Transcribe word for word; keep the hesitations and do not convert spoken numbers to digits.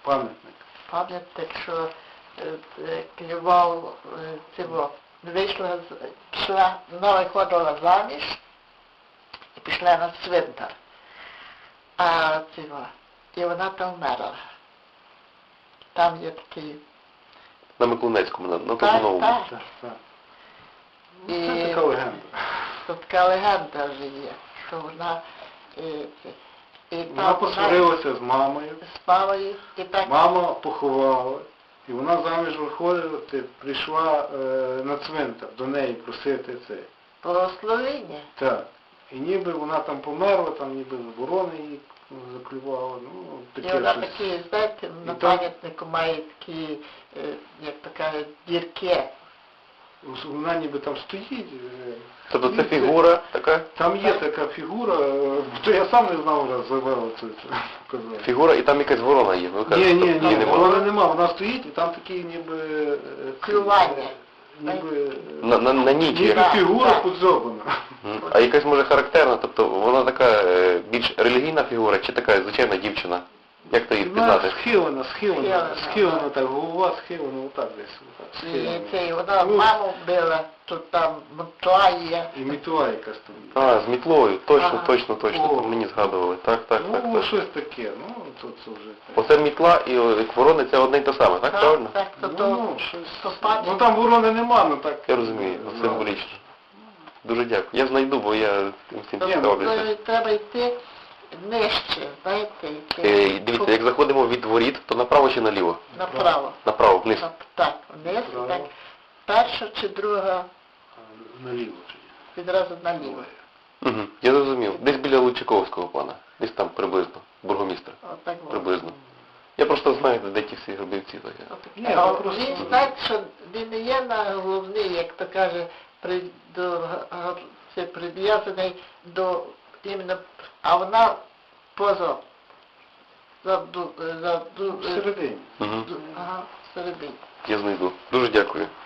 Пам'ятник. Пам'ятник, що е, е, клював е, цього. Вийшла, з- пішла, вона виходила заміж і пішла на цвинтар. А цього, і вона там вмерла. Там є такий. На Миколинецькому, на, на Так, Козуновому. так. Так, так. І Ну, це така легенда. тут така легенда вже є, що вона е, це, і Вона там посварилася з мамою. з мамою, і так Мама поховала. І вона заміж виходити прийшла е, на цвинтар до неї просити це. благословення. Так. І ніби вона там померла, там ніби ворони її заклювала. Ну, І таке вона щось. такі, знаєте, на І там- пам'ятнику має такі, е, як така дірки. Вона ніби там стоїть. е, Тобто це і фігура така? Там є така фігура, е, то я сам не знав раз завела це, це показав. Фігура і там якась ворона є. Ви Ні, кажете, ні, тобто ні, її нема. вона нема, вона стоїть і там такі ніби... е, Клювання. Ніби... На, на, на ніч Ніби є. Так, фігура так. подзьобана. Мгм. А якась може характерна, тобто вона така е, більш релігійна фігура чи така звичайна дівчина? Як то її Вона впізнати? схилена, схилена, Схилена, схилена так. так, голова схилена, отак десь. Отак, І схилена. це, і вона Ну, маму била, тут там мотла є. І мітла якась там. А, з мітлою, точно, Ага. точно, точно, О. тут мені згадували. Так, так, так, Ну, так. щось таке, ну, то це вже... так. Оце мітла і о, як ворони це одне й те саме, так, правильно? Так, то, Ну, то, ну, щось... то пам'ять. Ну там ворони нема, ну так... Я розумію, ну, символічно. Дуже дякую. Я знайду, бо я цим всім То, цікавлюся. то треба йти нижче, знаєте, йти Е, Дивіться, як заходимо від воріт, то направо чи наліво? направо. Направо, вниз. Так, так, вниз, і Направо. так, перша чи друга А, наліво чи ні? відразу наліво. Угу. Я зрозумів. Десь біля Лучаковського пана. Десь там приблизно. Бургомістра. Отак от. Приблизно. Я просто знаю, де ті всі гробівці. Так. Ні, А ну, просто- він, знаєте, що він не є на головний, як то каже, при, до, га- це прив'язаний до іменно, а вона поза, за, ду- за, ду- Всередині. Угу. ду- ага, всередині. Я знайду. Дуже дякую.